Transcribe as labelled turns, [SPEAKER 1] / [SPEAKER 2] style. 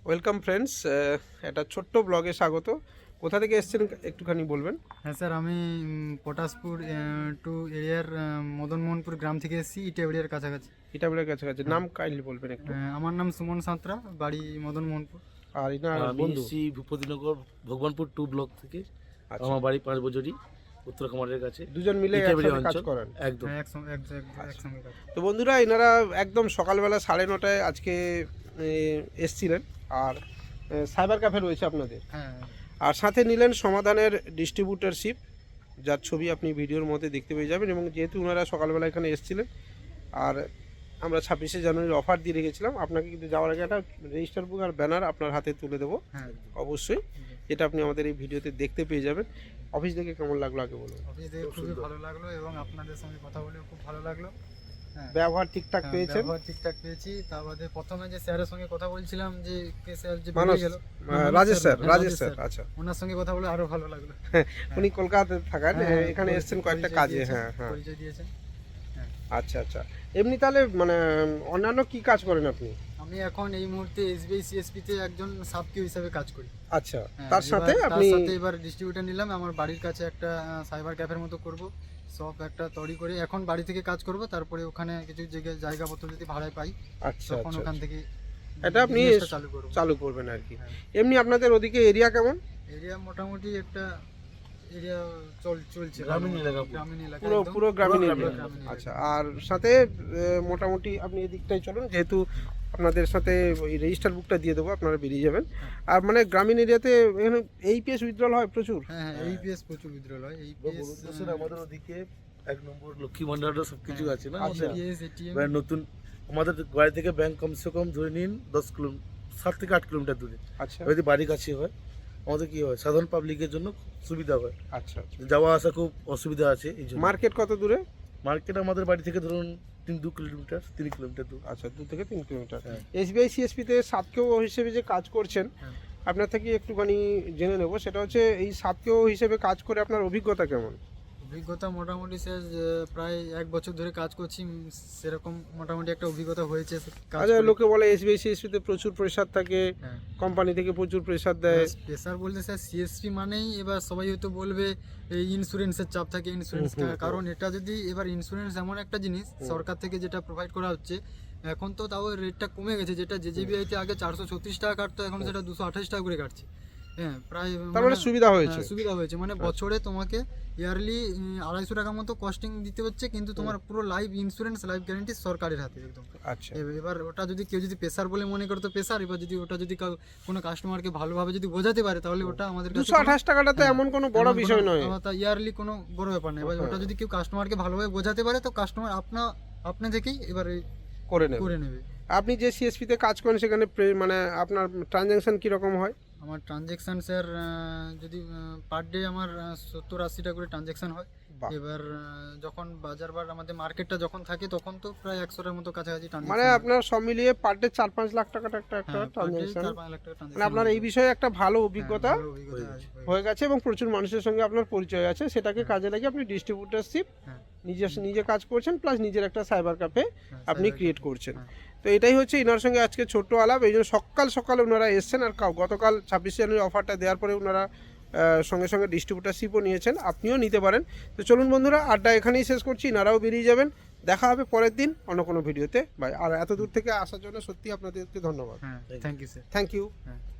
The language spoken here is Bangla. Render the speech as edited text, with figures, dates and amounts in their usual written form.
[SPEAKER 1] ওয়েলকাম ফ্রেন্ডস, একটা ছোট্ট ব্লগে স্বাগত। কোথা থেকে এসেছেন একটুখানি বলবেন?
[SPEAKER 2] হ্যাঁ স্যার, আমি পটাশপুর টু এরিয়ার মদনমোহনপুর গ্রাম থেকে এসেছি, ইটাবড়িয়ার কাছাকাছি।
[SPEAKER 1] ইটাবলের কাছাকাছি। নাম কাইন্ডলি বলবেন একটু।
[SPEAKER 2] আমার নাম সুমন সাঁতরা, বাড়ি মদনমোহনপুর।
[SPEAKER 1] আর ইনার
[SPEAKER 3] আমি
[SPEAKER 1] বন্ধু?
[SPEAKER 3] এসেছি ভূপতিনগর ভগবানপুর 2 ব্লক থেকে।
[SPEAKER 1] আচ্ছা,
[SPEAKER 3] আমার বাড়ি 5 বছরই উত্তর কামারের কাছে।
[SPEAKER 1] দুজন মিলে
[SPEAKER 3] ইটাবড়ি
[SPEAKER 1] একসাথে কাজ
[SPEAKER 3] অঞ্চল।
[SPEAKER 1] করেন?
[SPEAKER 3] একদম।
[SPEAKER 2] হ্যাঁ, একসঙ্গে কাজ।
[SPEAKER 1] তো বন্ধুরা, এনারা একদম সকালবেলা 9:30টায় আজকে এসছিলেন। আর সাইবার ক্যাফে রয়েছে আপনাদের।
[SPEAKER 2] হ্যাঁ,
[SPEAKER 1] আর সাথে নিলেন সমাধানের ডিস্ট্রিবিউটারশিপ, যার ছবি আপনি ভিডিওর মধ্যে দেখতে পেয়ে যাবেন। এবং যেহেতু ওনারা সকালবেলা এখানে এসেছিলেন, আর আমরা 26শে জানুয়ারির অফার দিয়ে রেখেছিলাম, আপনাকে কিন্তু যাওয়ার আগে একটা রেজিস্টার বুক আর ব্যানার আপনার হাতে তুলে দেবো
[SPEAKER 2] হ্যাঁ।
[SPEAKER 1] অবশ্যই, যেটা আপনি আমাদের এই ভিডিওতে দেখতে পেয়ে যাবেন। অফিস থেকে কেমন লাগলো আগে বলুন?
[SPEAKER 2] অফিস থেকে খুবই ভালো লাগলো এবং আপনাদের সঙ্গে কথা বলেও খুব ভালো লাগলো। হ্যাঁ,
[SPEAKER 1] ব্যবহার ঠিকঠাক পেয়েছেন?
[SPEAKER 2] ব্যবহার ঠিকঠাক পেয়েছি। তার বাদে প্রথমে যে স্যারের সঙ্গে কথা বলছিলাম, যে কে স্যার যে
[SPEAKER 1] মানস,
[SPEAKER 2] বেরিয়ে গেল,
[SPEAKER 1] রাজেশ স্যার,
[SPEAKER 2] হ্যাঁ,
[SPEAKER 1] রাজেশ স্যার। আচ্ছা,
[SPEAKER 2] ওনার সঙ্গে কথা বলে আরো ভালো লাগলো।
[SPEAKER 1] উনি কলকাতাতে থাকেন,
[SPEAKER 2] হ্যাঁ,
[SPEAKER 1] এখানে এসেছেন কয়েকটা
[SPEAKER 2] পরিচয়
[SPEAKER 1] কাজে।
[SPEAKER 2] দিয়েছেন,
[SPEAKER 1] হ্যাঁ হ্যাঁ।
[SPEAKER 2] পরিচয় দিয়েছেন।
[SPEAKER 1] আচ্ছা আচ্ছা। এমনি তাহলে মানে অন্যান্য কি কাজ করেন আপনি?
[SPEAKER 2] আমি এখন এই মুহূর্তে এসবিআই সিএসপি তে একজন সাবকিউ হিসেবে কাজ করি।
[SPEAKER 1] আচ্ছা,
[SPEAKER 2] হ্যাঁ,
[SPEAKER 1] তার সাথে আপনি?
[SPEAKER 2] তার সাথে এবার ডিস্ট্রিবিউটার নিলাম। আমার বাড়ির কাছে একটা সাইবার ক্যাফের মতো করব, সব একটা তৈরি করে এখন বাড়ি থেকে কাজ করব। তারপরে ওখানে কিছু জায়গাপত্র যদি ভাড়ায় পাই,
[SPEAKER 1] আচ্ছা
[SPEAKER 2] তখন
[SPEAKER 1] আচ্ছা,
[SPEAKER 2] ওখান থেকে
[SPEAKER 1] এটা আপনি
[SPEAKER 2] business-টা চালু করব।
[SPEAKER 1] চালু করবেন আর কি।
[SPEAKER 2] হ্যাঁ।
[SPEAKER 1] এমনি আপনাদের ওদিকে এরিয়া কেমন?
[SPEAKER 2] এরিয়া মোটামুটি একটা এরিয়া চলছে,
[SPEAKER 3] গ্রামীণ এলাকা।
[SPEAKER 2] গ্রামীণ এলাকা
[SPEAKER 1] পুরো
[SPEAKER 2] একদম।
[SPEAKER 1] পুরো গ্রামীণ
[SPEAKER 3] পুরো
[SPEAKER 1] এরিয়া।
[SPEAKER 2] গ্রামীণ এলাকা।
[SPEAKER 1] আচ্ছা, আর সাথে মোটামুটি আপনি এদিকটাই চলুন, যেহেতু আপনাদের সাথে ওই রেজিস্টার বুকটা দিয়ে দেবো, আপনারা বেরিয়ে যাবেন। আর মানে গ্রামীণ এরিয়াতে এখানে এইপিএস উইথড্রল হয় প্রচুর।
[SPEAKER 2] হ্যাঁ, এইপিএস প্রচুর উইথড্রল হয়। এইপিএস,
[SPEAKER 3] আমাদের ওদিকে 1 নম্বর লক্ষ্মী ভান্ডারও সবকিছু আছে না
[SPEAKER 1] আচ্ছা।
[SPEAKER 3] আমাদের।
[SPEAKER 2] AEPS, ATM.
[SPEAKER 3] এবার নতুন আমাদের বাড়ি থেকে ব্যাংক কমসে কম ধরে নিন 10 কিলোমিটার, 7 থেকে 8 কিলোমিটার দূরে।
[SPEAKER 1] আচ্ছা
[SPEAKER 3] যদি বাড়ি কাছে হয়, আমাদের কি হয়, সাধারণ পাবলিকের জন্য সুবিধা হয়।
[SPEAKER 1] আচ্ছা আচ্ছা।
[SPEAKER 3] যাওয়া আসা খুব অসুবিধা আছে এই জন্য।
[SPEAKER 1] মার্কেট কত দূরে?
[SPEAKER 3] মার্কেট আমাদের বাড়ি থেকে ধরুন 2 কিলোমিটার, 3 কিলোমিটার দূর।
[SPEAKER 1] আচ্ছা, 2 থেকে 3 কিলোমিটার।
[SPEAKER 3] হ্যাঁ।
[SPEAKER 1] এসবিআই সিএসপিতে সাবকেও হিসেবে যে কাজ করছেন,
[SPEAKER 2] হ্যাঁ।
[SPEAKER 1] আপনার থেকে একটুখানি জেনে নেব। সেটা হচ্ছে, এই সাবকেও হিসেবে কাজ করে আপনার অভিজ্ঞতা কেমন?
[SPEAKER 2] অভিজ্ঞতা মোটামুটি স্যার প্রায় 1 বছর ধরে কাজ করছি। সেরকম মোটামুটি একটা অভিজ্ঞতা হয়েছে কাজ
[SPEAKER 1] আচ্ছা,
[SPEAKER 2] করে।
[SPEAKER 1] লোকে বলে এসবিআই সিএসপিতে প্রচুর প্রেশার থাকে,
[SPEAKER 2] হ্যাঁ।
[SPEAKER 1] কোম্পানি থেকে প্রচুর প্রেশার দেয়।
[SPEAKER 2] প্রেসার বলতে স্যার সিএসপি মানেই এবার সবাই হয়তো বলবে এই ইন্স্যুরেন্সের চাপ থাকে, ইন্স্যুরেন্স। কারণ এটা যদি এবার ইন্স্যুরেন্স এমন একটা জিনিস সরকার থেকে যেটা প্রোভাইড করা হচ্ছে, এখন তো তাও রেটটা কমে গেছে। যেটা জেজেবিআইতে আগে 436 টাকা কাটতো, এখন সেটা 228 টাকা করে কাটছে। হ্যাঁ, প্রায়
[SPEAKER 1] তার মানে সুবিধা হয়েছে।
[SPEAKER 2] হ্যাঁ, সুবিধা হয়েছে। মানে বছরে তোমাকে ইয়ারলি 250 টাকা মতো কস্টিং দিতে হচ্ছে, কিন্তু তোমার পুরো লাইফ ইন্স্যুরেন্স, লাইফ গ্যারান্টি সরকারের হাতে একদম।
[SPEAKER 1] আচ্ছা,
[SPEAKER 2] এবার ওটা যদি কেউ যদি পেশার বলে মনে করে তো পেশার, এবার যদি ওটা যদি কোনো কাস্টমারকে ভালোভাবে যদি বোঝাতে পারে, তাহলে ওটা আমাদের কাছে
[SPEAKER 1] 228 টাকাটা তো এমন কোনো বড় বিষয় নয়।
[SPEAKER 2] ইয়ারলি কোনো বড় ব্যাপার নয়। এবার ওটা যদি কেউ কাস্টমারকে ভালোভাবে বোঝাতে পারে, তো কাস্টমার আপনা থেকেই এবারে
[SPEAKER 1] করে নেবে।
[SPEAKER 2] করে নেবে।
[SPEAKER 1] আপনি যে সিএসপিতে কাজ করেন, সেখানে মানে আপনার ট্রানজ্যাকশন কীরকম হয়?
[SPEAKER 2] আমার ট্রানজ্যাকশান স্যার যদি পার ডে আমার 70-80টা করে ট্রানজ্যাকশান হয়।
[SPEAKER 1] বাহ।
[SPEAKER 2] এবার যখন বাজার আমাদের মার্কেটটা যখন থাকে, তখন তো প্রায় 100টার মতো কাছাকাছি
[SPEAKER 1] মানে
[SPEAKER 2] ট্রানজ্যাকশান।
[SPEAKER 1] আপনার সব মিলিয়ে পার ডে 4-5 লাখ টাকাটা একটা ট্রানজ্যাকশন।
[SPEAKER 2] 4-5 লাখ টাকা
[SPEAKER 1] মানে
[SPEAKER 2] ট্রানজ্যাকশন।
[SPEAKER 1] আপনার এই বিষয়ে একটা ভালো অভিজ্ঞতা
[SPEAKER 2] হয়ে
[SPEAKER 1] হয়ে গেছে, এবং প্রচুর মানুষের সঙ্গে আপনার পরিচয় আছে। সেটাকে কাজে লাগিয়ে আপনি ডিস্ট্রিবিউটারশিপ
[SPEAKER 2] হ্যাঁ।
[SPEAKER 1] নিজে কাজ করছেন, প্লাস নিজের একটা সাইবার ক্যাফে আপনি
[SPEAKER 2] cyber
[SPEAKER 1] ক্রিয়েট
[SPEAKER 2] cafe,
[SPEAKER 1] করছেন।
[SPEAKER 2] হ্যাঁ।
[SPEAKER 1] তো এটাই হচ্ছে ইনার সঙ্গে আজকে ছোট্ট আলাপ। এই জন্য সকালে ওনারা এসছেন। আর গতকাল 26 জানুয়ারি অফারটা দেওয়ার পরে ওনারা সঙ্গে সঙ্গে ডিস্ট্রিবিউটারশিপও নিয়েছেন, আপনিও নিতে পারেন। তো চলুন বন্ধুরা, আড্ডা এখানেই শেষ করছি। ইনারাও বেরিয়ে যাবেন। দেখা হবে পরের দিন অন্য কোনো ভিডিওতে। বাই। আর এত দূর থেকে আসার জন্য সত্যি আপনাদেরকে ধন্যবাদ।
[SPEAKER 2] হ্যাঁ, thank you sir.
[SPEAKER 1] Thank you.
[SPEAKER 2] হ্যাঁ।